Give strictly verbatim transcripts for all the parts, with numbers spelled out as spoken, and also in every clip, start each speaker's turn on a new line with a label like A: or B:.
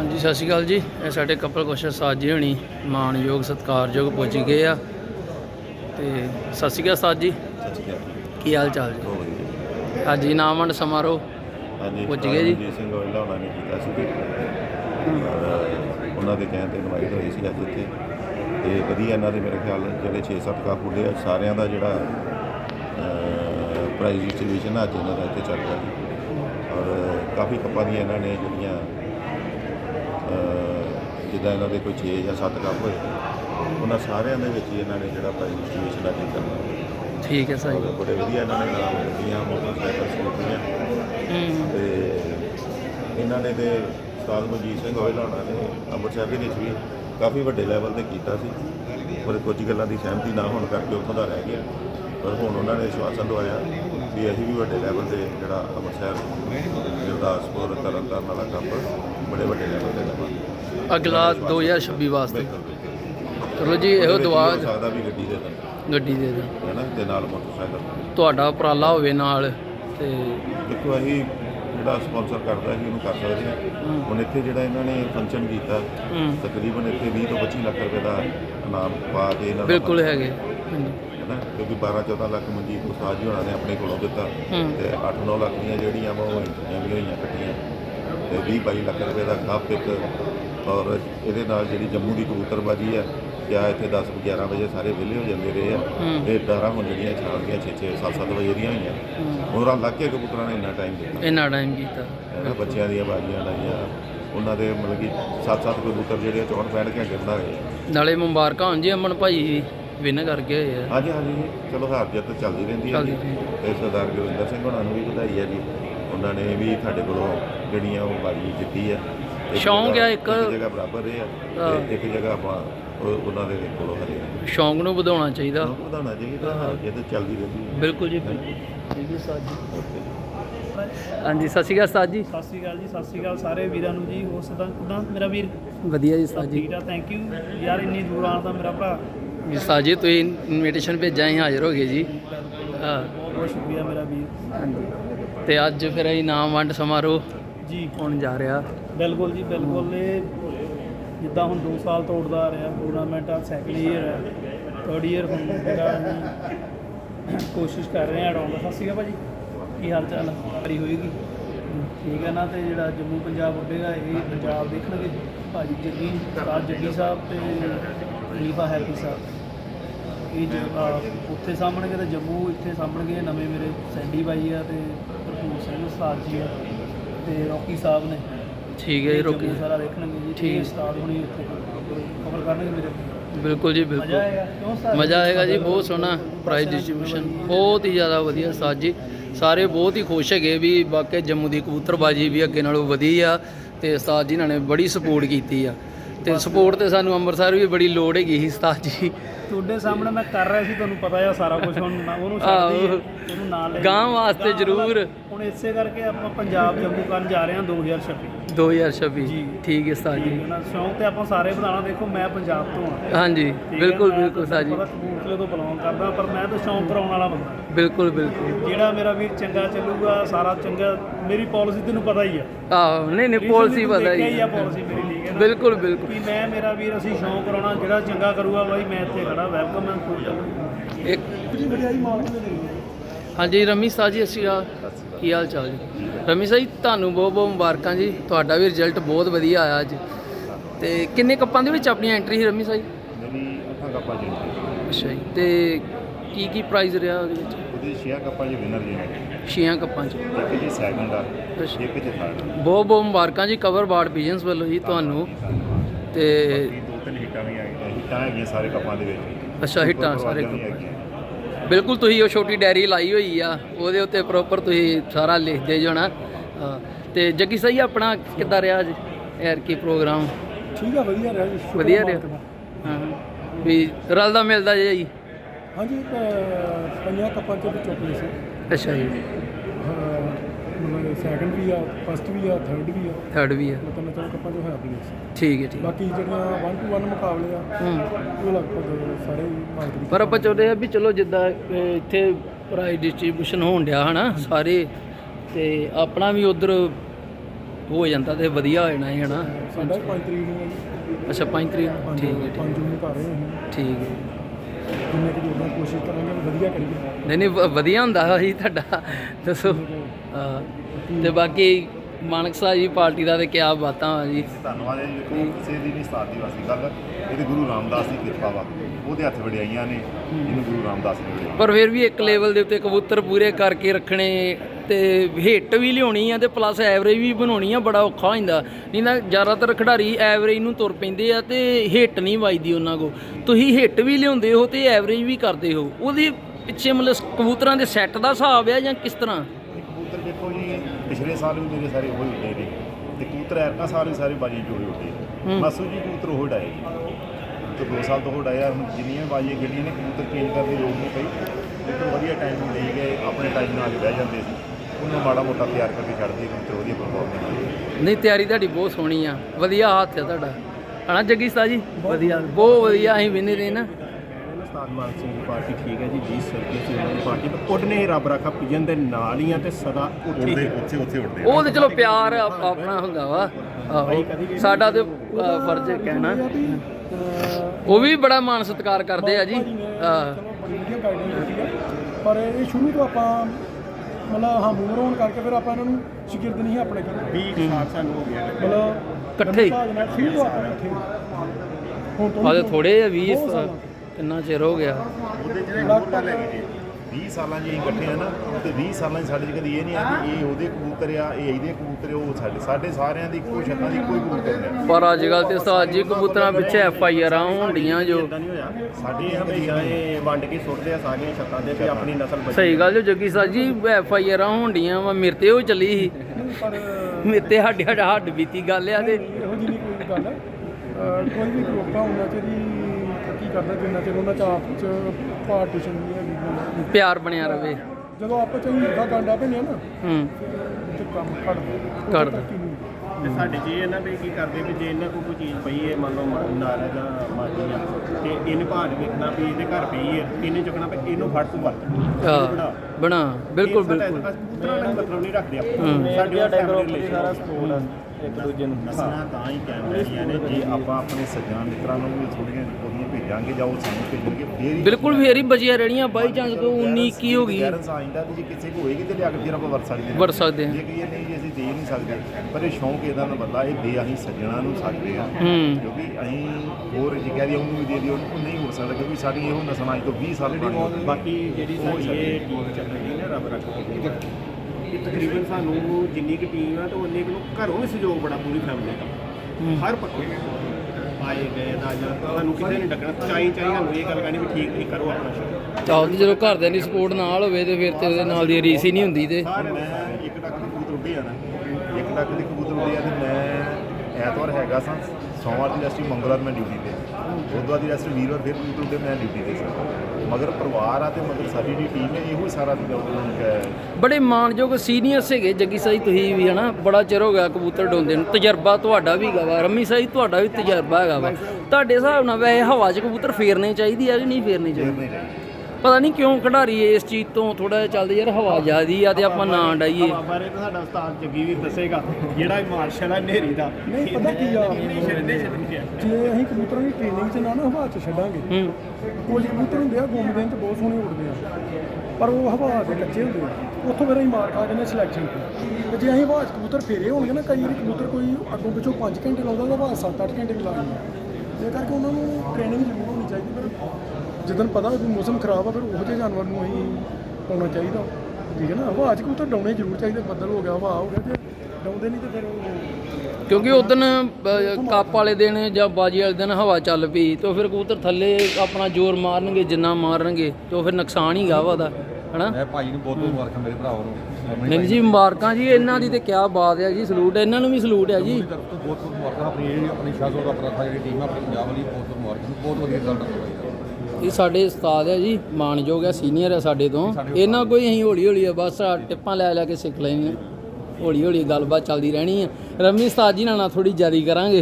A: ਹਾਂਜੀ ਸਤਿ ਸ਼੍ਰੀ ਅਕਾਲ ਜੀ। ਇਹ ਸਾਡੇ ਕਪਲ ਕੁਸ਼ਲ ਸਾਜ ਜੀ ਹੋਣੀ ਮਾਣਯੋਗ ਸਤਿਕਾਰਯੋਗ ਪੁੱਜ ਗਏ ਆ ਤੇ ਸਤਿ ਸ਼੍ਰੀ ਅਕਾਲ ਸਾਜ ਜੀ।
B: ਸਤਿ ਸ਼੍ਰੀ ਅਕਾਲ।
A: ਕੀ ਹਾਲ ਚਾਲ ਜੀ?
B: ਬਹੁਤ ਵਧੀਆ।
A: ਅੱਜ ਇਨਾਮ ਵੰਡ ਸਮਾਰੋਹ
B: ਹਾਂਜੀ
A: ਪੁੱਜ ਗਏ ਜੀ।
B: ਜੀ ਸਿੰਘ ਗੋਇਲਾ ਉਹਨਾਂ ਨੇ ਕੀਤਾ ਸੀ ਔਰ ਉਹਨਾਂ ਦੇ ਕਹਿਣ 'ਤੇ ਇਨਵਾਈਟ ਹੋਈ ਸੀ ਅੱਜ ਇੱਥੇ ਅਤੇ ਵਧੀਆ ਇਹਨਾਂ ਦੇ ਮੇਰੇ ਖਿਆਲ ਜਿਹੜੇ ਛੇ ਸੱਤ ਕੱਪ ਹੁੰਦੇ ਆ ਸਾਰਿਆਂ ਦਾ ਜਿਹੜਾ ਪ੍ਰਾਈਜ਼ ਡਿਸਟ੍ਰੀਬਿਊਸ਼ਨ ਅੱਜ ਇਹਨਾਂ ਦਾ ਇੱਥੇ ਚੱਲ ਰਿਹਾ ਜੀ ਔਰ ਕਾਫੀ ਕੱਪਾਂ ਦੀਆਂ ਇਹਨਾਂ ਨੇ ਜਿਹੜੀਆਂ ਜਿੱਦਾਂ ਇਹਨਾਂ ਦੇ ਕੋਈ ਛੇ ਜਾਂ ਸੱਤ ਕੱਪ ਹੋਏ ਉਹਨਾਂ ਸਾਰਿਆਂ ਦੇ ਵਿੱਚ ਹੀ ਇਹਨਾਂ ਨੇ ਜਿਹੜਾ ਪ੍ਰਾਈਜ਼ ਡਿਸਟ੍ਰੀਬਿਊਸ਼ਨ ਅੱਜ ਕਰਨਾ।
A: ਠੀਕ ਹੈ ਸਰ।
B: ਬੜੇ ਵਧੀਆ ਇਹਨਾਂ ਨੇ ਨਾਮ ਦਿੱਤੀਆਂ ਮੋਟਰਸਾਈਕਲ ਸਕੂਟਰੀਆਂ ਅਤੇ ਇਹਨਾਂ ਨੇ ਤੇ ਉਸਤਾਦ ਮਨਜੀਤ ਸਿੰਘ ਗੋਇਲਾ ਉਹਨਾਂ ਨੇ ਅੰਮ੍ਰਿਤਸਰ ਦੇ ਵਿੱਚ ਵੀ ਕਾਫੀ ਵੱਡੇ ਲੈਵਲ 'ਤੇ ਕੀਤਾ ਸੀ ਪਰ ਕੁਝ ਗੱਲਾਂ ਦੀ ਸਹਿਮਤੀ ਨਾ ਹੋਣ ਕਰਕੇ ਉੱਥੋਂ ਦਾ ਰਹਿ ਗਿਆ ਪਰ ਹੁਣ ਉਹਨਾਂ ਨੇ ਵਿਸ਼ਵਾਸਨ ਦਵਾਇਆ ਵੀ ਅਸੀਂ ਵੀ ਵੱਡੇ ਲੈਵਲ 'ਤੇ ਜਿਹੜਾ ਅੰਮ੍ਰਿਤਸਰ ਗੁਰਦਾਸਪੁਰ ਤਰਨਤਾਰਨ ਵਾਲਾ ਕੰਮ ਬੜੇ ਵੱਡੇ ਲੈਵਲ 'ਤੇ ਲਵਾਂਗੇ
A: ਅਗਲਾ ਦੋ ਹਜ਼ਾਰ ਛੱਬੀ ਵਾਸਤੇ। ਚਲੋ ਜੀ ਇਹੋ ਦੁਆ
B: ਸਕਦਾ ਵੀ ਗੱਡੀ ਦੇ ਦੇਣ
A: ਗੱਡੀ ਦੇ ਦਿਓ
B: ਹੈ ਨਾ ਅਤੇ ਨਾਲ ਮੋਟਰਸਾਈਕਲ
A: ਤੁਹਾਡਾ ਉਪਰਾਲਾ ਹੋਵੇ ਨਾਲ ਤੇ
B: ਦੇਖੋ ਅਸੀਂ ਜਿਹੜਾ ਸਪਾਂਸਰ ਕਰਦਾ ਸੀ ਉਹਨੂੰ ਕਰ ਸਕਦੇ ਹਾਂ। ਹੁਣ ਇੱਥੇ ਜਿਹੜਾ ਇਹਨਾਂ ਨੇ ਫੰਕਸ਼ਨ ਕੀਤਾ ਤਕਰੀਬਨ ਇੱਥੇ ਵੀਹ ਤੋਂ ਪੱਚੀ ਲੱਖ ਰੁਪਏ ਦਾ ਇਨਾਮ ਪਾ ਕੇ ਇਹਨਾਂ
A: ਬਿਲਕੁਲ ਹੈਗੇ
B: ਹੈ ਨਾ ਕਿਉਂਕਿ ਬਾਰਾਂ ਚੌਦਾਂ ਲੱਖ ਮਨਜੀਤ ਉਸਤਾਦ ਜੀ ਹੋਣਾ ਨੇ ਆਪਣੇ ਕੋਲੋਂ ਦਿੱਤਾ ਅਤੇ ਅੱਠ ਨੌ ਲੱਖ ਦੀਆਂ ਜਿਹੜੀਆਂ ਵਾ ਉਹ ਐਂਟਰੀਆਂ ਵੀ ਹੋਈਆਂ ਕੱਟੀਆਂ ਅਤੇ ਵੀਹ ਬਾਈ ਲੱਖ ਰੁਪਏ ਦਾ ਕੱਪ ਇੱਕ ਔਰ ਇਹਦੇ ਨਾਲ ਜਿਹੜੀ ਜੰਮੂ ਦੀ ਕਬੂਤਰਬਾਜੀ ਹੈ ਜਾਂ ਇੱਥੇ ਦਸ ਗਿਆਰਾਂ ਵਜੇ ਸਾਰੇ ਵਿਹਲੇ ਹੋ ਜਾਂਦੇ ਰਹੇ ਆ ਇਹ ਡਾਰਾਂ ਹੁਣ ਜਿਹੜੀਆਂ ਛਾਲ ਦੀਆਂ ਛੇ ਛੇ ਸੱਤ ਸੱਤ ਵਜੇ ਦੀਆਂ ਹੋਈਆਂ ਉਹਨਾਂ ਲੱਗ ਕੇ ਕਬੂਤਰਾਂ ਨੇ ਇੰਨਾ ਟਾਈਮ ਦਿੱਤਾ
A: ਇੰਨਾ ਟਾਈਮ ਕੀਤਾ
B: ਇਹਨਾਂ ਬੱਚਿਆਂ ਦੀਆਂ ਬਾਜ਼ੀਆਂ ਲਾਈਆਂ ਉਹਨਾਂ ਦੇ ਮਤਲਬ ਕਿ ਸੱਤ ਸੱਤ ਕਬੂਤਰ ਜਿਹੜੇ ਚੌਂਹਠ ਪੈਂਹਠ ਘੰਟੇ ਬਣਾ ਰਹੇ
A: ਨਾਲੇ ਮੁਬਾਰਕਾਂ ਹੋਣ ਜੀ ਅਮਨ ਭਾਈ ਵਿਨ ਕਰਕੇ ਹੋਏ ਆ।
B: ਹਾਂਜੀ ਹਾਂਜੀ ਚਲੋ ਹਾਰ ਜਿੱਤ ਚੱਲਦੀ ਰਹਿੰਦੀ ਹੈ ਜੀ ਅਤੇ ਸਰਦਾਰ ਗੁਰਵਿੰਦਰ ਸਿੰਘ ਹੋਣਾ ਨੂੰ ਵੀ ਵਧਾਈ ਹੈ ਜੀ ਉਹਨਾਂ ਨੇ ਵੀ ਸਾਡੇ ਕੋਲੋਂ ਜਿਹੜੀਆਂ ਉਹ ਬਾਜ਼ੀ ਜਿੱਤੀ ਹੈ
A: ਸ਼ੌਂਕ ਆ ਇੱਕ
B: ਜਗ੍ਹਾ ਬਰਾਬਰ ਰਹੇ ਆ ਅਤੇ ਇੱਕ ਜਗ੍ਹਾ ਆਪਾਂ ਉਹਨਾਂ ਦੇ ਕੋਲੋਂ ਹਰੇ
A: ਸ਼ੌਂਕ ਨੂੰ ਵਧਾਉਣਾ ਚਾਹੀਦਾ
B: ਵਧਾਉਣਾ ਚਾਹੀਦਾ ਹਾਰ ਜਿੱਤ ਚੱਲਦੀ ਰਹਿੰਦੀ ਹੈ।
A: ਬਿਲਕੁਲ ਜੀ ਠੀਕ ਹੈ ਸਾਜ ਜੀ। ਹਾਂਜੀ ਸਤਿ ਸ਼੍ਰੀ ਅਕਾਲ ਸਾਜ ਜੀ।
C: ਸਤਿ ਸ਼੍ਰੀ ਅਕਾਲ ਜੀ। ਸਤਿ ਸ਼੍ਰੀ ਅਕਾਲ ਸਾਰੇ ਵੀਰਾਂ ਨੂੰ ਜੀ। ਹੋਰ ਸਦਾ ਕਿੱਦਾਂ ਮੇਰਾ ਵੀਰ?
A: ਵਧੀਆ ਜੀ ਸਾਜ ਜੀ।
C: ਠੀਕ ਆ ਥੈਂਕ ਯੂ ਯਾਰ ਇੰਨੀ ਦੂਰ ਆਉਣ ਦਾ ਮੇਰਾ ਭਰਾ
A: ਜੀ ਸਾਜ ਜੀ ਤੁਸੀਂ ਇਨਵੀਟੇਸ਼ਨ ਭੇਜਾਂ ਹੀ ਹਾਜ਼ਰ ਹੋ ਗਏ ਜੀ। ਹਾਂ
C: ਬਹੁਤ ਬਹੁਤ ਸ਼ੁਕਰੀਆ ਮੇਰਾ ਵੀਰ।
A: ਹਾਂਜੀ ਅਤੇ ਅੱਜ ਫਿਰ ਇਨਾਮ ਵੰਡ ਸਮਾਰੋਹ
C: ਜੀ
A: ਹੋਣ ਜਾ ਰਿਹਾ।
C: ਬਿਲਕੁਲ ਜੀ ਬਿਲਕੁਲ। ਇਹ ਜਿੱਦਾਂ ਹੁਣ ਦੋ ਸਾਲ ਤੋੜਦਾ ਆ ਰਿਹਾ ਟੂਰਨਾਮੈਂਟ ਆ ਸੈਕਿੰਡ ਈਅਰ ਹੈ ਥਰਡ ਈਅਰ ਹੁਣ ਜਿਹੜਾ ਅਸੀਂ ਕੋਸ਼ਿਸ਼ ਕਰ ਰਹੇ ਹਾਂ ਅਡਾਉਣ ਦਾ। ਸਤਿ ਸ਼੍ਰੀ ਅਕਾਲ ਭਾਜੀ ਕੀ ਹਾਲ ਚਾਲ ਕਰੀ ਹੋਏਗੀ ਠੀਕ ਹੈ ਨਾ। ਅਤੇ ਜਿਹੜਾ ਜੰਮੂ ਪੰਜਾਬ ਉੱਡੇਗਾ ਇਹ ਪੰਜਾਬ ਦੇਖਣਗੇ ਭਾਜੀ ਜੱਗੀ ਉਸਤਾਦ ਜੱਗੀ ਸਾਹਿਬ ਅਤੇ ਖਲੀਫਾ ਹੈਪੀ ਸਾਹਿਬ ਇਹ ਜ ਉੱਥੇ ਸਾਹਮਣਗੇ ਅਤੇ ਜੰਮੂ ਇੱਥੇ ਸਾਹਮਣਗੇ ਨਵੇਂ ਮੇਰੇ ਸੈਂਡੀ ਬਾਈ ਆ ਅਤੇ ਭਰਪੂਰ ਸਿੰਘ ਉਸਤਾਦ ਜੀ ਆ ਅਤੇ ਰੋਕੀ ਸਾਹਿਬ ਨੇ।
A: ਠੀਕ ਹੈ ਜੀ ਰੋਕੀ
C: ਸਾਰਾ ਦੇਖਣਗੇ ਜੀ ਠੀਕ ਉਸਤਾਦ ਹੁਣੀ ਇੱਥੇ ਕਵਰ ਕਰਨਗੇ ਮੇਰੇ।
A: ਬਿਲਕੁਲ ਜੀ ਬਿਲਕੁਲ
C: ਮਜ਼ਾ ਆਏਗਾ ਕਿਉਂ ਉਸਤਾਦ?
A: ਮਜ਼ਾ ਆਏਗਾ ਜੀ ਬਹੁਤ ਸੋਹਣਾ ਪ੍ਰਾਈਜ਼ ਡਿਸਟ੍ਰੀਬਿਊਸ਼ਨ ਬਹੁਤ ਹੀ ਜ਼ਿਆਦਾ ਵਧੀਆ ਸਾਜ ਜੀ। ਸਾਰੇ ਬਹੁਤ ਹੀ ਖੁਸ਼ ਹੈਗੇ ਵੀ ਵਾਕਿਆ ਜੰਮੂ ਦੀ ਕਬੂਤਰਬਾਜੀ ਵੀ ਅੱਗੇ ਨਾਲੋਂ ਵਧੀ ਆ ਅਤੇ ਉਸਤਾਦ ਜੀ ਨੇ ਬੜੀ ਸਪੋਰਟ ਕੀਤੀ ਆ ਅਤੇ ਸਪੋਰਟ ਤਾਂ ਸਾਨੂੰ ਅੰਮ੍ਰਿਤਸਰ ਵੀ ਬੜੀ ਲੋੜ ਹੈਗੀ ਸੀ ਉਸਤਾਦ ਜੀ।
C: ਤੁਹਾਡੇ ਸਾਹਮਣੇ ਮੈਂ ਕਰ ਰਿਹਾ ਸੀ ਤੁਹਾਨੂੰ ਪਤਾ ਆ ਸਾਰਾ ਕੁਝ ਹੁਣ ਉਹਨੂੰ ਛੱਡਦੀ ਉਹਨੂੰ ਨਾਲ ਲੈ
A: ਗਾਂ ਵਾਸਤੇ ਜ਼ਰੂਰ
C: ਹੁਣ ਇਸੇ ਕਰਕੇ ਆਪਾਂ ਪੰਜਾਬ ਜੰਮੂ ਕਰਨ ਜਾ ਰਹੇ ਹਾਂ ਦੋ ਹਜ਼ਾਰ ਛੱਬੀ
A: ਦੋ ਹਜ਼ਾਰ ਛੱਬੀ
C: ਜੀ।
A: ਠੀਕ ਹੈ ਉਸਤਾਦ ਜੀ।
C: ਸ਼ੌਂਕ ਤੇ ਆਪਾਂ ਸਾਰੇ ਵਧਾਉਣਾ। ਦੇਖੋ ਮੈਂ ਪੰਜਾਬ ਤੋਂ ਹਾਂ
A: ਹਾਂਜੀ ਬਿਲਕੁਲ ਬਿਲਕੁਲ ਸਾਜ ਜੀ।
C: ਪਤਾ ਕਬੂਤਰੇ ਤੋਂ ਬਿਲੋਂਗ ਕਰਦਾ ਪਰ ਮੈਂ ਤਾਂ ਸ਼ੌਂਕ ਕਰਾਉਣ ਵਾਲਾ ਬੰਦਾ।
A: ਬਿਲਕੁਲ ਬਿਲਕੁਲ
C: ਜਿਹੜਾ ਮੇਰਾ ਵੀਰ ਚੰਗਾ ਚੱਲੂਗਾ ਸਾਰਾ ਚੰਗਾ। ਮੇਰੀ ਪਾਲਿਸੀ ਤੈਨੂੰ ਪਤਾ ਹੀ ਆ।
A: ਆਹੋ ਨਹੀਂ ਨਹੀਂ ਪਾਲਿਸੀ ਪਤਾ
C: ਹੀ
A: ਹੀ
C: ਆ ਪਾਲਿਸੀ ਮੇਰੀ ਠੀਕ ਹੈ ਨਾ।
A: ਬਿਲਕੁਲ ਬਿਲਕੁਲ
C: ਕਿ ਮੈਂ ਮੇਰਾ ਵੀਰ ਅਸੀਂ ਸ਼ੌਂਕ ਕਰਾਉਣਾ ਜਿਹੜਾ ਚੰਗਾ ਕਰੂਗਾ ਬਾਈ ਮੈਂ ਇੱਥੇ ਖੜਾ ਵੈਲਕਮ ਹੈ
A: ਇੱਕ
C: ਬੜੀ ਵਡਿਆਈ ਮਾਲਕ ਨੇ ਦੇਣੀ।
A: ਹਾਂਜੀ ਰਮੀ ਸਾਹ ਜੀ ਅਸੀਂ ਆ ਕੀ ਹਾਲ ਚਾਲ ਜੀ? ਰਮੀ ਸਾਹ ਜੀ ਤੁਹਾਨੂੰ ਬਹੁਤ ਬਹੁਤ ਮੁਬਾਰਕਾਂ ਜੀ। ਤੁਹਾਡਾ ਵੀ ਰਿਜ਼ਲਟ ਬਹੁਤ ਵਧੀਆ ਆਇਆ ਅੱਜ। ਅਤੇ ਕਿੰਨੇ ਕੱਪਾਂ ਦੇ ਵਿੱਚ ਆਪਣੀ ਐਂਟਰੀ ਸੀ ਰਮੀ ਸਾਹ ਜੀ?
B: ਮੇਰੀ ਅੱਠਾਂ ਕੱਪਾਂ 'ਚ
A: ਅੱਛਾ ਜੀ। ਅਤੇ ਕੀ ਕੀ ਪ੍ਰਾਈਜ਼ ਰਿਹਾ ਉਹਦੇ ਵਿੱਚ?
B: ਉਹਦੇ ਛੇ ਕੱਪਾਂ 'ਚ ਵਿਨਰ ਜੀ ਨੇ
A: ਛੇਆਂ ਕੱਪਾਂ 'ਚ
B: ਇੱਕ ਜੀ ਸੈਕਿੰਡ ਆ ਇੱਕ ਜੀ ਥਰਡ।
A: ਬਹੁਤ ਬਹੁਤ ਮੁਬਾਰਕਾਂ ਜੀ ਕਵਰ ਬਾਰਡ ਬਿਜ਼ਨਸ ਵੱਲੋਂ ਜੀ ਤੁਹਾਨੂੰ। ਅਤੇ
B: ਦੋ ਤਿੰਨ ਹਿੱਟਾਂ ਵੀ ਆਈਆਂ ਹਿੱਟਾਂ ਹੈਗੀਆਂ ਸਾਰੇ ਕੱਪਾਂ ਦੇ ਵਿੱਚ।
A: ਅੱਛਾ ਹਿੱਟਾਂ ਸਾਰੇ ਬਿਲਕੁਲ ਤੁਸੀਂ ਉਹ ਛੋਟੀ ਡਾਇਰੀ ਲਾਈ ਹੋਈ ਆ ਉਹਦੇ ਉੱਤੇ ਪ੍ਰੋਪਰ ਤੁਸੀਂ ਸਾਰਾ ਲਿਖਦੇ ਜੋ ਨਾ। ਅਤੇ ਜੱਗੀ ਸਹੀ ਆਪਣਾ ਕਿੱਦਾਂ ਰਿਹਾ ਅੱਜ ਐਰ ਕੀ ਪ੍ਰੋਗਰਾਮ?
C: ਠੀਕ ਆ ਵਧੀਆ ਰਿਹਾ ਜੀ।
A: ਵਧੀਆ ਰਿਹਾ ਹਾਂ ਵੀ ਰਲਦਾ ਮਿਲਦਾ ਜੇ ਜੀ?
C: ਹਾਂਜੀ ਪੰਜਾਂ ਕੱਪਾਂ 'ਚ ਵਿੱਚੋਂ ਪਲੇ ਸੀ।
A: ਅੱਛਾ ਜੀ।
C: ਮਤਲਬ ਸੈਕਿੰਡ ਵੀ ਆ ਫਸਟ ਵੀ ਆ ਥਰਡ ਵੀ ਆ
A: ਥਰਡ ਵੀ ਆ
C: ਤਿੰਨ ਚਾਰ ਕੱਪਾਂ 'ਚੋਂ ਹੈ ਪਲੇ ਸੀ।
A: ਠੀਕ ਹੈ ਠੀਕ।
C: ਬਾਕੀ ਜਿਹੜੀਆਂ ਵਨ ਟੂ ਵਨ ਮੁਕਾਬਲੇ ਆ ਉਹ ਲਗਭਗ ਸਾਰੇ ਮਾਰਕ ਦੀ।
A: ਪਰ ਆਪਾਂ ਚਾਹੁੰਦੇ ਆ ਵੀ ਚਲੋ ਜਿੱਦਾਂ ਇੱਥੇ ਪ੍ਰਾਈਜ਼ ਡਿਸਟ੍ਰੀਬਿਊਸ਼ਨ ਹੋਣ ਡਿਆ ਹੈ ਨਾ ਸਾਰੇ ਅਤੇ ਆਪਣਾ ਵੀ ਉੱਧਰ ਹੋ ਜਾਂਦਾ ਤੇ ਵਧੀਆ ਹੋ ਜਾਣਾ ਸੀ ਹਨਾ।
C: ਸਾਡਾ ਪੰਜ ਤਰੀਕ ਨੂੰ ਹੈ ਜੀ।
A: ਅੱਛਾ ਪੰਜ ਤਰੀਕ ਨੂੰ? ਠੀਕ ਹੈ
C: ਪੰਜ ਜੂਨ ਨੂੰ ਕਰ ਰਹੇ ਹਾਂ ਅਸੀਂ।
A: ਠੀਕ ਹੈ।
C: ਜਿੰਨੇ ਕਿ ਜਿੰਨਾ ਕੋਸ਼ਿਸ਼ ਕਰਾਂਗੇ ਵੀ ਵਧੀਆ ਕਰੀਏ।
A: ਨਹੀਂ ਨਹੀਂ ਵ- ਵਧੀਆ ਹੁੰਦਾ ਵਾ ਜੀ ਤੁਹਾਡਾ। ਦੱਸੋ ਹਾਂ। ਤੇ ਬਾਕੀ ਮਾਨਕ ਸਾਹਿਬ ਜੀ ਪਾਰਟੀ ਦਾ ਤੇ ਕਿਆ ਬਾਤਾਂ ਵਾ ਜੀ।
B: ਧੰਨਵਾਦ ਹੈ ਜੀ। ਦੇਖੋ ਕਿਸੇ ਦੀ ਨਹੀਂ ਸਾਥ ਦੀ ਵਾਸੀ ਗੱਲ, ਇਹਦੇ ਗੁਰੂ ਰਾਮਦਾਸ ਦੀ ਕਿਰਪਾ ਵਾ, ਉਹਦੇ ਹੱਥ ਵਡਿਆਈਆਂ ਨੇ ਜਿਹਨੂੰ ਗੁਰੂ ਰਾਮਦਾਸ ਨੇ ਵਡਿਆਈਆਂ।
A: ਪਰ ਫਿਰ ਵੀ ਇੱਕ ਲੈਵਲ ਦੇ ਉੱਤੇ ਕਬੂਤਰ ਪੂਰੇ ਕਰਕੇ ਰੱਖਣੇ ਤੇ ਹਿੱਟ ਵੀ ਲਿਆਉਣੀ ਆ ਤੇ ਪਲੱਸ ਐਵਰੇਜ ਵੀ ਬਣਾਉਣੀ ਆ, ਬੜਾ ਔਖਾ ਹੋ ਜਾਂਦਾ। ਨਹੀਂ ਤਾਂ ਜ਼ਿਆਦਾਤਰ ਖਿਡਾਰੀ ਐਵਰੇਜ ਨੂੰ ਤੁਰ ਪੈਂਦੇ ਆ ਤੇ ਹਿੱਟ ਨਹੀਂ ਵੱਜਦੀ ਉਹਨਾਂ ਕੋ। ਤੁਸੀਂ ਹਿੱਟ ਵੀ ਲਿਆਉਂਦੇ ਹੋ ਤੇ ਐਵਰੇਜ ਵੀ ਕਰਦੇ ਹੋ, ਉਹਦੇ ਪਿੱਛੇ ਮਤਲਬ ਕਬੂਤਰਾਂ ਦੇ ਸੈੱਟ ਦਾ ਹਿਸਾਬ ਆ ਜਾਂ ਕਿਸ ਤਰ੍ਹਾਂ?
B: ਕਬੂਤਰ ਦੇਖੋ ਜੀ, ਪਿਛਲੇ ਸਾਲ ਵੀ ਮੇਰੇ ਸਾਰੇ ਉਹੀ ਉੱਡੇ ਨੇ ਤੇ ਕਬੂਤਰ ਐਰਕਾ ਸਾਲ ਵੀ ਸਾਰੇ ਬਾਜੀ ਜੋੜੇ ਉੱਡੇ। ਮਾਸੂ ਜੀ ਕਬੂਤਰ ਉਹ ਉਡਾਏ ਤੇ ਦੋ ਸਾਲ ਤੋਂ ਉਹ ਉਡਾਇਆ। ਹੁਣ ਜਿੰਨੀਆਂ ਬਾਜੀਆਂ ਖੇਡੀਆਂ ਨੇ ਕਬੂਤਰ ਚੇਂਜ ਕਰਨ ਦੀ ਲੋੜ ਨਹੀਂ ਪਈ। ਲੇਕਿਨ ਵਧੀਆ ਟਾਈਮ ਲਈ ਗਏ, ਆਪਣੇ ਟਾਈਮ ਨਾਲ ਬਹਿ ਜਾਂਦੇ ਸੀ, ਉਹਨੂੰ ਮਾੜਾ ਮੋਟਾ ਤਿਆਰ ਕਰਕੇ ਛੱਡਦੀ ਕਬੂਤਰ ਵਧੀਆ ਪਰਫਾਰਮੈਂਸ।
A: ਨਹੀਂ ਤਿਆਰੀ ਤੁਹਾਡੀ ਬਹੁਤ ਸੋਹਣੀ ਆ, ਵਧੀਆ ਹੱਥ ਆ ਤੁਹਾਡਾ ਹਨਾ ਜੱਗੀ ਸਾਹਿਬ ਜੀ? ਵਧੀਆ, ਬਹੁਤ ਵਧੀਆ। ਅਸੀਂ ਵਿੰਨੇ ਰਹੇ ਨਾ।
D: ਉਸਤਾਦ ਮਾਨਕ ਸਿੰਘ ਦੀ ਪਾਰਟੀ ਠੀਕ ਹੈ ਜੀ, ਜੀ ਸਰਕੀ ਸੀ ਉਹਨਾਂ ਦੀ ਪਾਰਟੀ, ਪਰ ਉੱਡਨੇ ਹੀ ਰੱਬ ਰੱਖਾ ਪਿਜਨ ਦੇ ਨਾਲ ਹੀ ਆ ਤੇ ਸਦਾ ਉੱਥੇ
B: ਉੱਡਦੇ
D: ਹੀ
B: ਉੱਥੇ ਉੱਥੇ ਉੱਡਦੇ
A: ਉਹ ਤੇ ਚਲੋ ਪਿਆਰ ਆਪ- ਆਪਣਾ ਹੁੰਦਾ ਵਾ। ਆਹੋ ਸਾਡਾ ਤੇ ਅ, ਫਰਜ਼ ਹੈ ਕਹਿਣਾ। ਉਹ ਵੀ ਬੜਾ ਮਾਣ ਸਤਿਕਾਰ ਕਰਦੇ ਆ ਜੀ। ਹਾਂ
C: ਚਲੋ ਬੜੀ ਵਧੀਆ ਗਾਈਡੈਂਸ ਦਿੱਤੀ ਹੈ, ਪਰ ਇਹ ਸ਼ੁਰੂ ਤੋਂ ਆਪਾਂ ਮਤਲਬ ਹਾਂ ਉਮਰ ਹੋਣ ਕਰਕੇ ਫਿਰ ਆਪਾਂ ਇਹਨਾਂ ਨੂੰ ਸ਼ਾਗਿਰਦ ਨਹੀਂ ਆਪਣੇ ਕੋਲ
D: ਵੀਹ ਸਾਲ ਸਾਨੂੰ ਹੋ ਗਿਆ
C: ਮਤਲਬ
A: ਇਕੱਠੇ ਹੀ?
C: ਫਿਰ ਤੋਂ ਆਪਾਂ ਇਕੱਠੇ ਹੁਣ ਤੋਂ
A: ਆਦੇ ਥੋੜੇ ਆ ਵੀਹ
C: ਬਹੁਤ ਸਾਲਾਂ।
A: ਕਿੰਨਾ ਚਿਰ ਹੋ ਗਿਆ।
B: ਉਹਦੇ ਚ ਇੱਕ ਹੋਰ ਗੱਲ ਹੈਗੀ ਜੀ, ਵੀਹ ਸਾਲਾਂ 'ਚ ਅਸੀਂ ਇਕੱਠੇ ਆ ਨਾ, ਤੇ ਵੀਹ ਸਾਲਾਂ 'ਚ ਸਾਡੇ 'ਚ ਕਦੀ ਇਹ ਨਹੀਂ ਆ ਕਿ ਇਹ ਉਹਦੇ ਕਬੂਤਰ ਆ, ਇਹ ਇਹਦੇ ਕਬੂਤਰ ਆ, ਉਹ ਸਾਡੇ ਸਾਡੇ ਸਾਰਿਆਂ ਦੀ ਇੱਕੋ ਛੱਤਾਂ ਦੀ ਕੋਈ ਕਬੂਤਰ ਨਹੀਂ।
A: ਪਰ ਅੱਜ ਕੱਲ੍ਹ ਤੇ ਉਸਤਾਦ ਜੀ ਕਬੂਤਰਾਂ ਪਿੱਛੇ ਐਫ ਆਈ ਆਰਾਂ ਹੁੰਦੀਆਂ ਜੋ।
D: ਇਦਾਂ ਨਹੀਂ ਹੋਇਆ, ਸਾਡੇ ਹਮੇਸ਼ਾ ਇਹ ਵੰਡ ਕੇ ਸੁੱਟਦੇ ਆ ਸਾਰੀਆਂ ਛੱਤਾਂ ਦੇ ਵੀ ਆਪਣੀ ਨਸਲ ਬਚੇ।
A: ਸਹੀ ਗੱਲ ਜੋ ਜੱਗੀ ਸਾਹਿਬ ਜੀ, ਐਫ ਆਈ ਆਰਾਂ ਹੁੰਦੀਆਂ ਵਾ। ਮੇਰੇ ਤੇ ਉਹ ਚੱਲੀ ਸੀ,
C: ਪਰ
A: ਮੇਰੇ ਤੇ ਹੱਡ ਹੱਡ ਹੱਡ ਬੀਤੀ ਗੱਲ ਆ ਤੇ
C: ਇਹੋ ਜਿਹੀ ਨਹੀਂ ਕੋਈ ਗੱਲ ਹੈ। ਅਹ ਕੋਈ ਵੀ ਗਰੁੱਪ ਆ ਉਹਨਾਂ ਚ ਦੀ ਕੀ ਕਰਦਾ ਜਿੰਨਾ ਚਿਰ ਉਹਨਾਂ ਚ ਆਪਸ ਚ ਪਾਰਟੀਸ਼ਨ ਨਹੀਂ ਹੈਗੀ।
A: ਪਿਆਰ ਬਣਿਆ ਰਵੇ।
C: ਜਦੋਂ ਆਪਸ ਚ ਹੀ ਇਦਾਂ ਗਾਂਡਾ ਪੈਂਦੇ ਆ ਨਾ
A: ਹੂੰ
C: ਤੇ ਕੰਮ ਘਟਦਾ
A: ਘੱਟਦਾ।
D: ਤੇ ਸਾਡੇ ਜੀ ਇਹਨਾਂ ਵੀ ਕੀ ਕਰਦੇ ਵੀ ਜੇ ਇਹਨਾਂ ਕੋਲ ਕੋਈ ਚੀਜ਼ ਪਈ ਹੈ, ਮੰਨ ਲਓ ਨਾਰਾ ਜਾਂ ਮਾਜੀ ਆ, ਤੇ ਇਹਨੇ ਭਾਜ ਵੇਖਣਾ ਵੀ ਇਹਦੇ ਘਰ ਪਈ ਹੈ, ਇਹਨੇ ਚੁੱਕਣਾ ਵੀ ਇਹਨੂੰ ਫੜ ਤੂੰ ਵਰਤ
A: ਆ, ਬਣਾ ਬਿਲਕੁਲ ਬਿਲਕੁਲ।
D: ਪੁੱਤਰਾਂ ਨਾਲ ਮਤਲਬ ਨਹੀਂ ਰੱਖਦੇ ਆਪਾਂ, ਸਾਡੇ ਉਹ ਫੈਮਿਲੀ ਰਿਲੇਸ਼ਨ ਸਾਰਾ ਸਪੋਰਟ ਇੱਕ ਦੂਜੇ ਨੂੰ।
B: ਨਸਲਾਂ ਤਾਂ ਹੀ ਕਾਇਮ ਰਹਿਣੀਆਂ ਨੇ ਜੇ ਆਪਾਂ ਆਪਣੇ ਸੱਜਣਾ ਮਿੱਤਰਾਂ ਨੂੰ ਵੀ ਥੋੜ੍ਹੀਆਂ ਉਹਦੀਆਂ ਭੇਜਾਂਗੇ ਜਾਂ ਉਹ ਸਾਨੂੰ ਭੇਜਣਗੇ, ਫੇਰ ਹੀ
A: ਬਿਲਕੁਲ ਫੇਰ ਹੀ ਬਚੀਆਂ ਰਹਿਣੀਆਂ। ਬਾਈ ਚਾਂਸ ਕੋ ਉੱਨੀ ਇੱਕੀ ਹੋ ਗਈ
B: ਗੈਰੰਸ ਆਇੰਦਾ ਤੇ ਜੇ ਕਿਸੇ ਕੋ ਹੋਏਗੀ ਤੇ ਲਿਆ ਕੇ ਫਿਰ ਆਪਾਂ ਵਰਤ ਸਕਦੇ ਹਾਂ।
A: ਵਰਤ ਸਕਦੇ ਹਾਂ।
B: ਜੇ ਕਹੀਏ ਨਹੀਂ ਜੀ ਅਸੀਂ ਦੇ ਨਹੀਂ ਸਕਦੇ, ਪਰ ਇਹ ਸ਼ੌਂਕ ਇਹਦਾ ਨਾ ਬੰਦਾ ਇਹ ਦੇ ਅਸੀਂ ਸੱਜਣਾ ਨੂੰ ਸਕਦੇ ਹਾਂ।
A: ਹੂੰ
B: ਕਿਉਂਕਿ ਅਸੀਂ ਹੋਰ ਜੇ ਕਹਿ ਦਈਏ ਉਹਨੂੰ ਵੀ ਦੇ ਦਿਓ, ਉਹ ਨਹੀਂ ਹੋ ਸਕਦਾ ਕਿਉਂਕਿ ਸਾਡੀ ਇਹੋ ਨਸਲਾਂ ਅੱਜ ਤੋਂ ਵੀਹ ਸਾਲ ਪੁਰਾਣੀ।
D: ਬਾਕੀ ਜਿਹੜੀ ਸਾਡੀ ਇਹ ਟੀਮ ਚੱਲ ਰਹੀ ਹੈ ਨਾ ਰੱਬ ਰੱਖੇ, ਇਹ ਤਕਰੀਬਨ ਸਾਨੂੰ ਜਿੰਨੀ ਕੁ ਟੀਮ ਆ ਤੇ ਉਨੇ ਕੁ ਨੂੰ ਘਰੋਂ ਵੀ ਸਹਿਯੋਗ ਬੜਾ ਪੂਰੀ ਫੈਮਿਲੀ ਦਾ ਹਰ ਪੱਖੋਂ ਆਏ ਗਏ ਨਾ ਜਾਂ ਤੁਹਾਨੂੰ ਕਿਸੇ ਨੇ ਡੱਕਣਾ ਚਾਈ ਚਾਈ ਸਾਨੂੰ ਇਹ ਗੱਲ ਕਹਿਣੀ ਵੀ ਠੀਕ ਠੀਕ ਕਰੋ ਆਪਣਾ ਸ਼ੋਅ।
A: ਚਾਹ ਤੇ ਜਦੋਂ ਘਰਦਿਆਂ ਦੀ ਸਪੋਰਟ ਨਾਲ ਹੋਵੇ ਤੇ ਫਿਰ ਤੇ ਉਹਦੇ ਨਾਲ ਦੀ ਰੀਸ ਹੀ ਨਹੀਂ ਹੁੰਦੀ। ਤੇ
B: ਸਾਰੇ ਮੈਂ ਇੱਕ ਟੱਕ ਦੇ ਕਬੂਤਰ ਉੱਡੇ ਆ ਨਾ, ਇੱਕ ਟੱਕ ਦੇ ਕਬੂਤਰ ਉੱਡੇ ਆ ਤੇ ਮੈਂ ਐਤਵਾਰ ਹੈਗਾ ਸਾਂ, ਸੋਮਵਾਰ ਦੀ ਰੈਸਟ ਮੰਗਲਵਾਰ ਮੈਂ ਡਿਊਟੀ ਤੇ, ਬੁੱਧਵਾਰ ਦੀ ਰੈਸਟ ਵੀਰਵਾਰ ਫਿਰ ਕਬੂਤਰ ਉੱਡੇ ਮੈਂ ਡਿਊਟੀ ਤੇ ਸੀ। ਮਗਰ ਪਰਿਵਾਰ ਆ ਤੇ ਮਗਰ ਸਾਡੀ ਜਿਹੜੀ ਟੀਮ ਹੈ ਇਹੋ ਸਾਰਾ
A: ਬੜੇ ਮਾਣਯੋਗ ਸੀਨੀਅਰਸ ਹੈਗੇ ਜੱਗੀ ਸਾਈ, ਤੁਸੀਂ ਵੀ ਹਨਾ ਬੜਾ ਚਿਰ ਹੋ ਗਿਆ ਕਬੂਤਰ ਡਾਉਂਦੇ ਨੂੰ, ਤਜਰਬਾ ਤੁਹਾਡਾ ਵੀ ਹੈਗਾ ਵਾ। ਰੰਮੀ ਸਾਈ ਤੁਹਾਡਾ ਵੀ ਤਜਰਬਾ ਹੈਗਾ ਵਾ। ਤੁਹਾਡੇ ਹਿਸਾਬ ਨਾਲ ਵੈਸੇ ਹਵਾ 'ਚ ਕਬੂਤਰ ਫੇਰਨੇ ਚਾਹੀਦੀ ਆ ਕਿ ਨਹੀਂ ਫੇਰਨੇ ਚਾਹੀਦੀ? ਪਤਾ ਨਹੀਂ ਕਿਉਂ ਖਿਡਾਰੀ ਇਸ ਚੀਜ਼ ਤੋਂ ਥੋੜਾ ਜਿਹਾ ਚੱਲਦੇ ਯਾਰ, ਹਵਾ ਜ਼ਿਆਦੀ ਆ ਤੇ ਆਪਾਂ ਨਾ ਡਾਈਏ।
D: ਹਵਾ ਬਾਰੇ ਤਾਂ ਸਾਡਾ ਉਸਤਾਦ ਜੱਗੀ ਵੀ ਦੱਸੇਗਾ, ਜਿਹੜਾ ਮਾਰਸ਼ਲ ਆ ਨੇਰੀ ਦਾ।
C: ਨਹੀਂ ਪਤਾ ਕੀ ਆ,
D: ਨਹੀਂ ਛੱਡਦੇ ਛੱਡਦੇ ਆ।
C: ਜੇ ਅਸੀਂ ਕਬੂਤਰਾਂ ਦੀ ਟ੍ਰੇਨਿੰਗ 'ਚ ਨਾ ਨਾ ਹਵਾ 'ਚ ਛੱਡਾਂਗੇ,
A: ਹੂੰ
C: ਕੁਝ ਕਬੂਤਰ ਹੁੰਦੇ ਆ ਗੁੰਮ ਦੇਣ 'ਚ ਬਹੁਤ ਸੋਹਣੇ ਉੱਡਦੇ ਆ, ਪਰ ਉਹ ਹਵਾ ਦੇ ਕੱਚੇ ਹੁੰਦੇ ਆ, ਉੱਥੋਂ ਫਿਰ ਅਸੀਂ ਮਾਰ ਖਾ ਜਾਂਦੇ ਸਿਲੈਕਸ਼ਨ ਤੇ। ਜੇ ਅਸੀਂ ਹਵਾ 'ਚ ਕਬੂਤਰ ਫੇਰੇ ਹੋਣਗੇ ਨਾ, ਕਈ ਵਾਰੀ ਕਬੂਤਰ ਕੋਈ ਅੱਗੋਂ ਪਿੱਛੋਂ ਪੰਜ ਘੰਟੇ ਲਾਉਂਦਾ ਤਾਂ ਹਵਾ ਸੱਤ ਅੱਠ ਘੰਟੇ ਵੀ ਲਾ ਦਿੰਦਾ। ਇਹ ਕਰਕੇ ਉਹਨਾਂ ਨੂੰ ਟ੍ਰੇਨਿੰਗ ਜ਼ਰੂਰ ਹੋਣੀ ਚਾਹੀਦੀ। ਪਰ ਜਿੱਦਣ ਪਤਾ ਵੀ ਮੌਸਮ ਖਰਾਬ ਆ ਫਿਰ ਉਹੋ ਜਿਹੇ ਜਾਨਵਰ ਨੂੰ ਅਸੀਂ ਪਾਉਣਾ ਚਾਹੀਦਾ, ਠੀਕ ਹੈ ਨਾ। ਹਵਾ 'ਚ ਕਬੂਤਰ ਡਾਉਣੇ ਜ਼ਰੂਰ ਚਾਹੀਦੇ, ਬੱਦਲ ਹੋ ਗਿਆ ਹਵਾ ਹੋ ਗਿਆ, ਜੇ ਡਾਉਂਦੇ ਨਹੀਂ ਤਾਂ ਫਿਰ ਉਹ
A: ਕਿਉਂਕਿ ਉਦੋਂ ਕੱਪ ਵਾਲੇ ਦਿਨ ਜਾਂ ਬਾਜੀ ਵਾਲੇ ਦਿਨ ਹਵਾ ਚੱਲ ਪਈ ਤੇ ਫਿਰ ਕਬੂਤਰ ਥੱਲੇ ਆਪਣਾ ਜ਼ੋਰ ਮਾਰਨਗੇ ਜਿੰਨਾ ਮਾਰਨਗੇ ਤੇ ਉਹ ਫਿਰ ਨੁਕਸਾਨ ਹੀ ਗਾ ਵਾ ਉਹਦਾ, ਹਨਾ।
E: ਮੈਂ ਭਾਈ ਨੂੰ ਬਹੁਤ ਬਹੁਤ ਮੁਬਾਰਕਾਂ ਮੇਰੇ ਭਰਾ ਨੂੰ।
A: ਨਹੀਂ ਜੀ ਮੁਬਾਰਕਾਂ ਜੀ, ਇਹਨਾਂ ਦੀ ਤੇ ਕਿਆ ਬਾਤ ਹੈ ਜੀ, ਸਲੂਟ ਇਹਨਾਂ ਨੂੰ ਵੀ ਸਲੂਟ ਹੈ ਜੀ।
E: ਮੇਰੀ ਤਰਫ ਤੋਂ ਬਹੁਤ ਬਹੁਤ ਮੁਬਾਰਕਾਂ। ਆਪਣੀ ਜਿਹੜੀ ਆਪਣੀ ਸ਼ਾਹਜ਼ੋਰ ਦਾ ਪ੍ਰਥਾ ਜਿਹੜੀ ਟੀਮ ਹੈ ਆਪਣੀ ਪੰਜਾਬ ਵਾਲੀ, ਬਹੁਤ ਬਹੁਤ ਮੁਬਾਰਕਾਂ। ਬਹੁਤ ਵਧੀਆ ਰਿਜ਼ਲਟ ਆਇਆ।
A: ਇਹ ਸਾਡੇ ਉਸਤਾਦ ਹੈ ਜੀ, ਮਾਣਯੋਗ ਹੈ, ਸੀਨੀਅਰ ਹੈ ਸਾਡੇ ਤੋਂ। ਇਹਨਾਂ ਕੋਈ ਅਸੀਂ ਹੌਲੀ ਹੌਲੀ ਬਸ ਟਿੱਪਾਂ ਲੈ ਲੈ ਕੇ ਸਿੱਖ ਲੈਣੀਆਂ, ਹੌਲੀ ਹੌਲੀ ਗੱਲਬਾਤ ਚੱਲਦੀ ਰਹਿਣੀ ਹੈ। ਰੰਮੀ ਉਸਤਾਦ ਜੀ ਨਾਲ ਥੋੜੀ ਜਾਰੀ ਕਰਾਂਗੇ।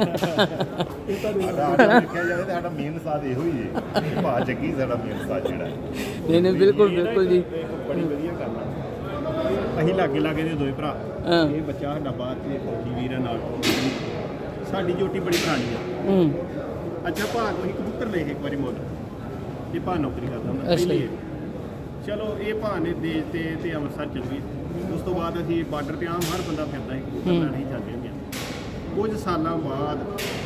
B: ਸਾਡਾ ਦੇਖਿਆ ਜਾਵੇ ਤਾਂ ਸਾਡਾ ਮੇਨ ਸਾਥ ਇਹੋ ਹੀ ਹੈ, ਭਾ ਜੱਗੀ ਸਾਡਾ ਮੇਨ ਸਾਥ ਜਿਹੜਾ।
A: ਨਹੀਂ ਨਹੀਂ ਬਿਲਕੁਲ ਬਿਲਕੁਲ ਜੀ।
B: ਬੜੀ ਵਧੀਆ ਗੱਲ ਆ।
D: ਅਸੀਂ ਲਾਗੇ ਲਾਗੇ ਦੇ ਦੋਵੇਂ ਭਰਾ
A: ਹਾਂ।
D: ਇਹ ਬੱਚਾ ਸਾਡਾ ਬਾਹਰ ਤੇ ਫੌਜੀ ਵੀਰ ਆ ਨਾਲ ਸਾਡੀ ਜੋਟੀ ਬੜੀ ਪੁਰਾਣੀ ਆ
A: ਹੂੰ
D: ਅੱਛਾ ਭਾ ਕੋਈ ਕਬੂਤਰ ਲੈ ਕੇ ਇੱਕ ਵਾਰੀ ਮੁੱਲ ਇਹ ਭਾ ਨੌਕਰੀ ਕਰਦਾ ਹੁੰਦਾ
A: ਅੱਛਾ
D: ਪਹਿਲੀ
A: ਜੀ।
D: ਇਹ। ਚਲੋ ਇਹ ਭਾ ਨੇ ਦੇਸ਼ ਤੇ ਤੇ ਅੰਮ੍ਰਿਤਸਰ ਚਲ ਗਏ ਉਸ ਤੋਂ ਬਾਅਦ ਅਸੀਂ ਬਾਰਡਰ ਤੇ ਆਮ ਹਰ ਬੰਦਾ ਫਿਰਦਾ ਸੀ ਕਬੂਤਰ
A: ਹੂੰ।
D: ਲੈਣ ਹੀ ਜਾਂਦੇ ਹੁੰਦੇ ਆ। ਕੁਝ ਸਾਲਾਂ ਬਾਅਦ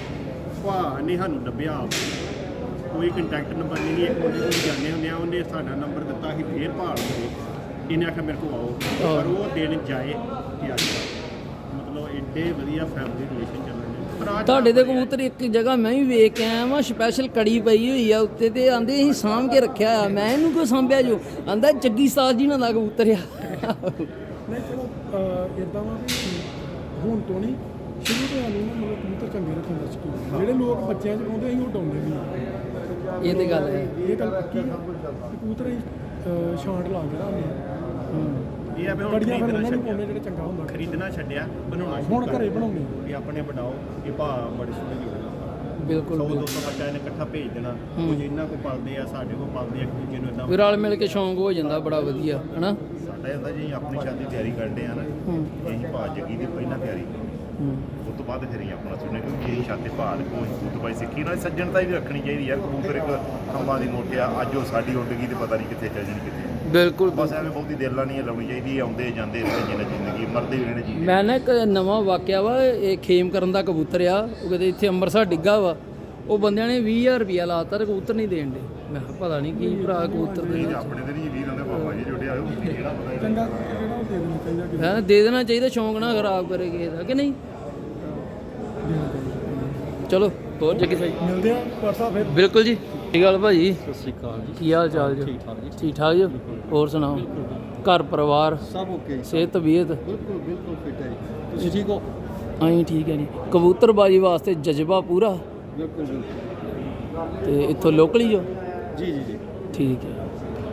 D: ਭਾ ਨੇ ਸਾਨੂੰ ਲੱਭਿਆ ਕੋਈ ਕੰਟੈਕਟ ਨੰਬਰ ਨਹੀਂ ਇੱਕ ਮੁੰਡੇ ਕੋਲ ਜਾਂਦੇ ਹੁੰਦੇ ਆ ਉਹਨੇ ਸਾਡਾ ਨੰਬਰ ਦਿੱਤਾ ਸੀ ਫੇਰ ਭਾਲ ਹੋਏ ਇਹਨੇ ਆਖਿਆ ਮੇਰੇ ਕੋਲ ਆਓ ਪਰ ਉਹ ਦਿਨ ਜਾਏ ਤੇ ਅੱਜ ਮਤਲਬ ਐਡੇ ਵਧੀਆ ਫੈਮਿਲੀ ਰਿਲੇਸ਼ਨ ਚੱਲਣ ਦੇ ਪਰ ਅੱਜ
A: ਤੁਹਾਡੇ ਦੇ ਕਬੂਤਰ ਇੱਕ ਜਗ੍ਹਾ ਮੈਂ ਵੀ ਵੇਖ ਕੇ ਆਇਆ ਵਾਂ ਸਪੈਸ਼ਲ ਕੜੀ ਪਈ ਹੋਈ ਆ ਉੱਤੇ ਤੇ ਆਂਦੇ ਅਸੀਂ ਸਾਂਭ ਕੇ ਰੱਖਿਆ ਆ ਮੈਂ ਇਹਨੂੰ ਕਿਉਂ ਸਾਂਭਿਆ ਜੋ ਆਂਦਾ ਜੱਗੀ ਸਾਜ ਜੀ ਨਾਲ ਦਾ ਕਬੂਤਰ ਆ
C: ਨਹੀਂ ਚਲੋ ਇਦਾਂ ਵਾ ਵੀ ਹੁਣ ਤੋਂ ਨਹੀਂ ਸ਼ੁਰੂ ਤੋਂ ਆਨੂੰ ਨਾ ਮਤਲਬ ਕਬੂਤਰ ਚੰਗੇ ਰੱਖਣ ਦਾ ਸ਼ੌਕੀਨ ਜਿਹੜੇ ਲੋਕ ਬੱਚਿਆਂ 'ਚ ਪਾਉਂਦੇ ਅਸੀਂ ਉਹ ਡਾਉਂਦੇ ਨਹੀਂ
A: ਇਹ ਤੇ ਗੱਲ ਹੈ
C: ਇਹ ਗੱਲ ਪੱਕੀ ਆ ਕਿ ਕਬੂਤਰ ਅਸੀਂ ਅਹ, ਛਾਂਟ ਲਾ ਕੇ ਰੱਖਦੇ ਹਾਂ
D: ਇਹ ਆ ਵੀ ਹੁਣ
C: ਕੜੀਆਂ ਫਿਰ
D: ਖਰੀਦਣਾ
C: ਉਹਨਾਂ ਨੂੰ
D: ਛੱਡਿਆ
C: ਪਾਉਂਦੇ ਜਿਹੜੇ ਚੰਗਾ ਹੁੰਦਾ
D: ਖਰੀਦਣਾ ਛੱਡਿਆ ਬਣਾਉਣਾ ਸ਼ੁਰੂ
C: ਹੁਣ
D: ਕਰ
C: ਘਰੇ
D: ਦਿੱਤਾ।
C: ਬਣਾਉਂਦੇ
D: ਇਹ ਆਪਣੇ ਬਣਾਓ ਇਹ ਭਾ ਬੜੇ ਸੋਹਣੇ ਜੋੜੇ
A: ਬਿਲਕੁਲ
D: ਸੌ
A: ਬਿਲਕੁਲ
D: ਦੋ ਸੌ ਬੱਚਾ ਇਹਨੇ ਇਕੱਠਾ ਭੇਜ ਦੇਣਾ ਕੁਝ ਇਹਨਾਂ ਕੋ ਪਲਦੇ ਆ ਸਾਡੇ ਕੋ ਪਲਦੇ ਆ ਇੱਕ ਦੂਜੇ ਨੂੰ ਇਦਾਂ
A: ਵੀ ਰਲ ਮਿਲ ਕੇ ਸ਼ੌਂਕ ਹੋ ਜਾਂਦਾ ਬੜਾ ਵਧੀਆ ਹਨਾ
B: ਸਾਡਾ ਇਹਦਾ ਜੀ ਆਪਣੀ ਸ਼ਾਦੀ ਦੀ ਤਿਆਰੀ ਕਰਦੇ ਆ ਨਾ
A: ਹੂੰ
B: ਇਹੀ ਭਾ ਜੱਗੀ ਦੀ ਪਹਿਲਾਂ ਤਿਆਰੀ
A: ਹੂੰ
B: ਉਸ ਤੋਂ ਬਾਅਦ ਫਿਰ ਹੀ ਆਪਣਾ ਸੁਣਨੇ ਕਿਉਂਕਿ ਇਹੀ ਸ਼ਾਦੀ ਭਾ ਦੇ ਕੋਈ ਕਬੂਤਰਬਾਜ਼ੀ ਸਿੱਖੀ ਨਾਲ ਸੱਜਣਤਾ ਵੀ ਰੱਖਣੀ ਚਾਹੀਦੀ ਯਾਰ ਕਬੂਤਰ ਇੱਕ ਖੰਭਾਂ ਦੀ ਮੋਟਿਆ ਅੱਜ ਉਹ ਸਾਡੀ ਉੱਡ ਗਈ ਤੇ ਪਤਾ ਨਹੀਂ ਕਿੱਥੇ ਚੱਲ ਜਾਣੀ ਕਿੱਥੇ
A: ਬਿਲਕੁਲ
B: ਬਸ ਐਵੇਂ ਬਹੁਤੀ ਦਿਲ ਨਾਲ ਨਹੀਂ ਲਾਉਣੀ ਚਾਹੀਦੀ ਆਉਂਦੇ ਜਾਂਦੇ ਰਹਿੰਦੇ ਜਿੰਨਾ ਜ਼ਿੰਦਗੀ ਮਰਦੇ ਵੀ ਰਹਿਣੇ ਜੀ
A: ਮੈਂ ਨਾ ਇੱਕ ਨਵਾਂ ਵਾਕਿਆ ਵਾ ਇਹ ਖੇਮ ਕਰਨ ਦਾ ਕਬੂਤਰ ਆ ਉਹ ਕਹਿੰਦੇ ਇੱਥੇ ਅੰਮ੍ਰਿਤਸਰ ਡਿੱਗਾ ਵਾ ਉਹ ਬੰਦਿਆਂ ਨੇ ਵੀਹ ਹਜ਼ਾਰ ਰੁਪਿਆ ਲਾਤਾ ਤੇ ਕਬੂਤਰ ਨਹੀਂ ਦੇਣ ਦੇ ਮੈਂ ਕਿਹਾ ਪਤਾ ਨਹੀਂ ਕੀ ਭਰਾ ਕਬੂਤਰ ਦੇ
B: ਨਹੀਂ ਆਪਣੇ ਤੇ ਨਹੀਂ ਵੀਰ ਹੁੰਦੇ ਬਾਬਾ ਜੀ ਜੁੜੇ ਆਇਓ ਜਿਹੜਾ ਪਤਾ
C: ਚੰਗਾ ਜਿਹੜਾ ਉਹ ਦੇ ਦੇਣਾ ਚਾਹੀਦਾ ਕਿ
A: ਹੈ ਦੇ ਦੇਣਾ ਚਾਹੀਦਾ ਸ਼ੌਂਕ ਨਾ ਖਰਾਬ ਕਰੇ ਕਿਸੇ ਦਾ ਕਿ ਨਹੀਂ
C: ਦੇਣਾ ਚਾਹੀਦਾ
A: ਚਲੋ ਹੋਰ ਜੱਗੀ ਸਾਈ
C: ਮਿਲਦੇ ਆ ਪਰਸਾ ਫਿਰ
A: ਬਿਲਕੁਲ ਜੀ ਕੀ ਗੱਲ ਭਾਜੀ
E: ਸਤਿ ਸ਼੍ਰੀ ਅਕਾਲ ਜੀ
A: ਕੀ ਹਾਲ ਚਾਲ ਜੀ
E: ਠੀਕ ਠਾਕ ਜੀ
A: ਠੀਕ ਠਾਕ ਜੀ ਹੋਰ ਸੁਣਾਓ ਘਰ ਪਰਿਵਾਰ
E: ਸਭ ਓਕੇ ਜੀ
A: ਸਿਹਤ ਤਬੀਅਤ
E: ਬਿਲਕੁਲ ਬਿਲਕੁਲ ਫਿੱਟ ਹੈ ਜੀ ਤੁਸੀਂ ਠੀਕ ਹੋ
A: ਅਸੀਂ ਠੀਕ ਹੈ ਜੀ ਕਬੂਤਰਬਾਜੀ ਵਾਸਤੇ ਜਜ਼ਬਾ ਪੂਰਾ
E: ਬਿਲਕੁਲ ਬਿਲਕੁਲ
A: ਤੇ ਇੱਥੋਂ ਲੋਕਲ ਹੀ ਹੋ
E: ਜੀ ਜੀ ਜੀ
A: ਠੀਕ ਹੈ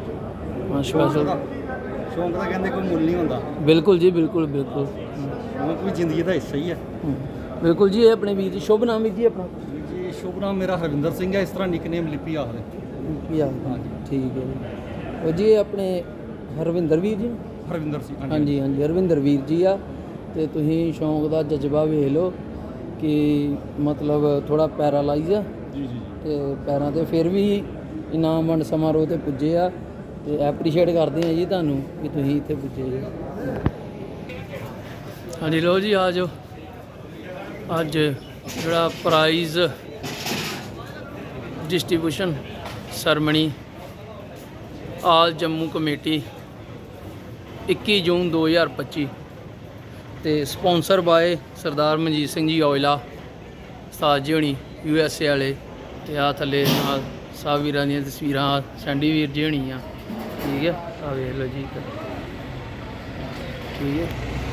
A: ਹਾਂ ਸਪੈਸ਼ਲ
E: ਸ਼ੌਂਕ ਦਾ ਕਹਿੰਦੇ ਕੋਈ ਮੁੱਲ ਨਹੀਂ ਹੁੰਦਾ
A: ਬਿਲਕੁਲ ਜੀ ਬਿਲਕੁਲ ਬਿਲਕੁਲ
E: ਸ਼ੌਂਕ ਵੀ ਜ਼ਿੰਦਗੀ ਦਾ ਹਿੱਸਾ ਹੀ ਹੈ
A: ਹਮ, ਬਿਲਕੁਲ ਜੀ ਇਹ ਆਪਣੇ ਵੀਰ ਜੀ ਸ਼ੁਭ ਨਾਮ ਵੀਰ ਜੀ ਆਪਣਾ
E: ਜੀ ਸ਼ੁਭ ਨਾਮ ਮੇਰਾ ਹਰਵਿੰਦਰ ਸਿੰਘ ਹੈ ਇਸ ਤਰ੍ਹਾਂ ਨਿਕਨੇਮ ਲਿਪੀ ਆਖਦੇ
A: ਕੀ ਹਾਲ
E: ਹਾਂਜੀ
A: ਠੀਕ ਹੈ ਜੀ ਉਹ ਜੀ ਇਹ ਆਪਣੇ ਹਰਵਿੰਦਰ ਵੀਰ ਜੀ
E: ਹਰਵਿੰਦਰ ਸਿੰਘ
A: ਹਾਂਜੀ ਹਾਂਜੀ ਹਰਵਿੰਦਰ ਵੀਰ ਜੀ ਆ ਤੇ ਤੁਸੀਂ ਸ਼ੌਂਕ ਦਾ ਜਜ਼ਬਾ ਵੇਖ ਲਓ ਕਿ ਮਤਲਬ ਥੋੜਾ ਪੈਰਾਲਾਈਜ਼ ਆ
E: ਜੀ ਜੀ ਜੀ
A: ਤੇ ਪੈਰਾਂ ਤੇ ਫਿਰ ਵੀ ਇਨਾਮ ਵੰਡ ਸਮਾਰੋਹ ਤੇ ਪੁੱਜੇ ਆ ਤੇ ਐਪਰੀਸ਼ੀਏਟ ਕਰਦੇ ਆ ਜੀ ਤੁਹਾਨੂੰ ਕਿ ਤੁਸੀਂ ਇੱਥੇ ਪੁੱਜੇ ਜੀ ਹਾਂਜੀ ਲੋ ਜੀ ਆ ਜਾਓ ਅੱਜ ਜਿਹੜਾ prize distribution ceremony all Jammu committee ਇੱਕੀ ਜੂਨ ਦੋ ਹਜ਼ਾਰ ਪੱਚੀ ਤੇ ਸਪਾਂਸਰ ਬਾਏ ਸਰਦਾਰ ਮਨਜੀਤ ਸਿੰਘ ਜੀ ਔਜਲਾ ਉਸਤਾਦ ਜੀ ਹੋਣੀ ਯੂ ਐਸ ਏ ਵਾਲੇ ਤੇ ਆ ਥੱਲੇ ਨਾਲ ਸਭ ਵੀਰਾਂ ਦੀਆਂ ਤਸਵੀਰਾਂ ਸੈਂਡੀ ਵੀਰ ਜੀ ਹੋਣੀ ਆ ਠੀਕ ਹੈ ਆ ਵੇਖ ਲਓ ਜੀ ਠੀਕ ਹੈ